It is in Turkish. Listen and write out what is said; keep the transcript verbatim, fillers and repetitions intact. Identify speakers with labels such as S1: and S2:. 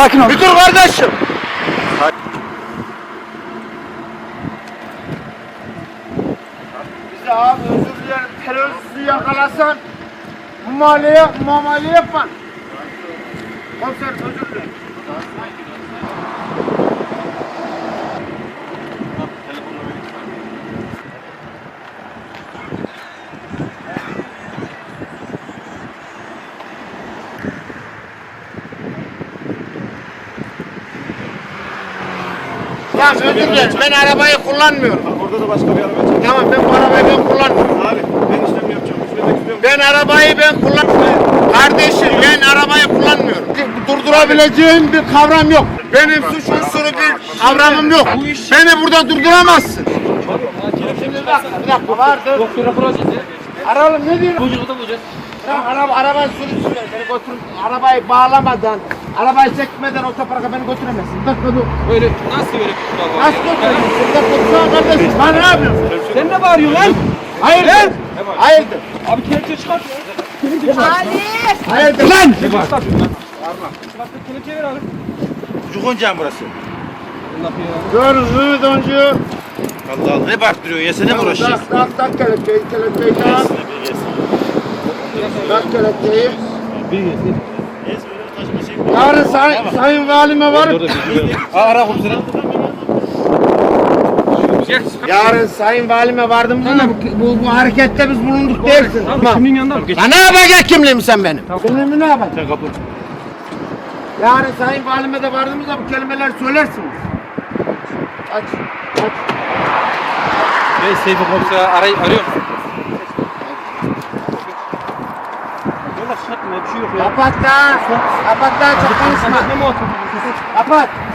S1: Sakin ol.
S2: Bir dur kardeşim. Bize abi özür dilerim. Teröristi yakalasan muamele, muamele yapma. Komiser özür dilerim. Ya özür dilerim. Ben arabayı kullanmıyorum.
S3: Orada da başka bir araba çek.
S2: Tamam ben bu arabayı ben kullanmıyorum.
S3: Abi ben işlem yapacağım. Üflemek istiyorum.
S2: Ben arabayı ben kullanmıyorum. Kardeşim ben arabayı kullanmıyorum. Durdurabileceğim bir kavram yok. Benim suç unsuru bir kavramım yok. Beni burada durduramazsın. Şimdi bir dakika, bir dakika vardır.
S1: Doktor rapor alacağız ya.
S2: Aralım ne diyorsun?
S1: Çocuğu da bulacağız.
S2: Bırak araba, arabayı sürüsün. Beni götür, arabayı bağlamadan, arabayı çekmeden otoparka beni götüremezsin. Bir dakika dur.
S1: Böyle nasıl böyle kutular var?
S2: Nasıl götüremezsin? Bir dakika dur kardeşim. Bana ne yapıyorsun?
S1: Sen ne bağırıyorsun lan?
S2: Hayırdır? Hayırdır?
S1: Abi kelepçe çıkart ya.
S2: Hayırdır lan?
S1: Ne var? Çıkart kelepçe ver abi.
S3: Çocuk oyuncağı mı burası?
S2: Görün Mehmet Oncu.
S3: Allah Allah ne baktırıyorsun ya sen ne mi uğraşacaksın?
S2: Tak tak tak kelepçeyi, kelepçeyi tak. Tak kelepçeyi. Yarın say sayın valime varıp
S3: Ara komiserim.
S2: yarın sayın valime vardım da bu, bu, bu harekette biz bulunduk dersin.
S1: Tamam. Kimin yanında mı? Geç.
S2: Ya ne yapacak kimliğim sen benim?
S1: Tamam.
S2: Kimliğimi ne yapacaksın?
S3: Sen kapı.
S2: Yarın sayın valime de vardığımızda bu kelimeler söylersiniz. Aç, aç.
S1: Ben Seyfi komiseri aray arıyorum. Yola çıkartma bir şey yok ya.
S2: Kapat da. Kapat da çok konuşma.
S1: Ne muhatap?
S2: Kapat.